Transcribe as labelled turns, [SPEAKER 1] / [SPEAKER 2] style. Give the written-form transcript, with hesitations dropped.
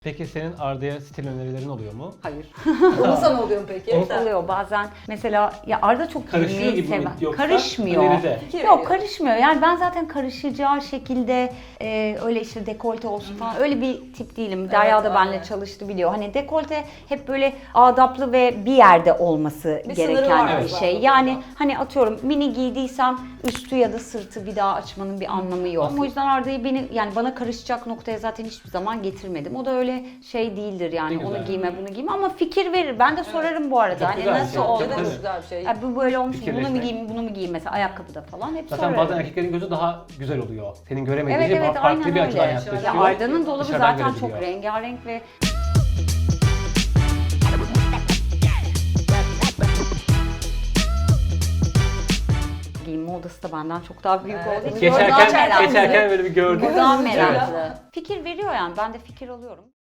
[SPEAKER 1] Peki senin Arda'ya stil önerilerin oluyor mu?
[SPEAKER 2] Hayır.
[SPEAKER 3] Onun sana oluyor mu peki?
[SPEAKER 2] Oluyor bazen. Mesela ya Arda çok
[SPEAKER 1] Karışıyor
[SPEAKER 2] giymeyi
[SPEAKER 1] gibi mi
[SPEAKER 2] seven.
[SPEAKER 1] yoksa
[SPEAKER 2] Karışmıyor.
[SPEAKER 1] öneride?
[SPEAKER 3] Fikir
[SPEAKER 2] Yok
[SPEAKER 3] veriyor.
[SPEAKER 2] karışmıyor. Yani ben zaten karışacağı şekilde öyle işte dekolte olsun falan öyle bir tip değilim. Derya da benimle
[SPEAKER 3] aynen.
[SPEAKER 2] çalıştı biliyor. Hani dekolte hep böyle adaplı ve bir yerde olması
[SPEAKER 3] Bir sınırı
[SPEAKER 2] gereken
[SPEAKER 3] var
[SPEAKER 2] bir
[SPEAKER 3] zaten
[SPEAKER 2] şey.
[SPEAKER 3] burada.
[SPEAKER 2] Yani hani atıyorum mini giydiysem üstü ya da sırtı bir daha açmanın bir anlamı yok.
[SPEAKER 1] Aslında-
[SPEAKER 2] O yüzden Arda'yı yani bana karışacak noktaya zaten hiçbir zaman getirmedim. O da öyle şey değildir yani.
[SPEAKER 1] Ne
[SPEAKER 2] Onu
[SPEAKER 1] güzel.
[SPEAKER 2] giyme bunu giyme ama fikir verir. Ben de sorarım bu arada.
[SPEAKER 1] Çok
[SPEAKER 2] Hani
[SPEAKER 1] güzel bir
[SPEAKER 2] nasıl
[SPEAKER 1] şey.
[SPEAKER 2] oldu?
[SPEAKER 3] Ne de
[SPEAKER 1] Tabii.
[SPEAKER 3] çok güzel bir şey.
[SPEAKER 2] Ya bu böyle olmuş. Bunu mu
[SPEAKER 1] Fikirleşmek.
[SPEAKER 2] giyeyim, bunu mu giyeyim mesela ayakkabıda falan hep
[SPEAKER 1] Zaten
[SPEAKER 2] sorarım.
[SPEAKER 1] bazen erkeklerin gözü daha güzel oluyor. Senin göremediğin
[SPEAKER 2] Evet
[SPEAKER 1] şey
[SPEAKER 2] evet
[SPEAKER 1] farklı
[SPEAKER 2] aynen
[SPEAKER 1] bir açıdan
[SPEAKER 2] öyle.
[SPEAKER 1] yaklaşıyor.
[SPEAKER 2] Ya Arda'nın dolabı
[SPEAKER 1] Dışarıdan
[SPEAKER 2] zaten çok
[SPEAKER 1] görebiliyor.
[SPEAKER 2] rengarenk ve giyinme odası da benden çok daha büyük
[SPEAKER 3] Evet.
[SPEAKER 2] olduğu için o daha
[SPEAKER 1] Geçerken,
[SPEAKER 2] meraklı.
[SPEAKER 1] geçerken böyle bir gördüm.
[SPEAKER 2] O daha
[SPEAKER 1] Evet.
[SPEAKER 2] meraklı. Fikir veriyor yani ben de fikir alıyorum.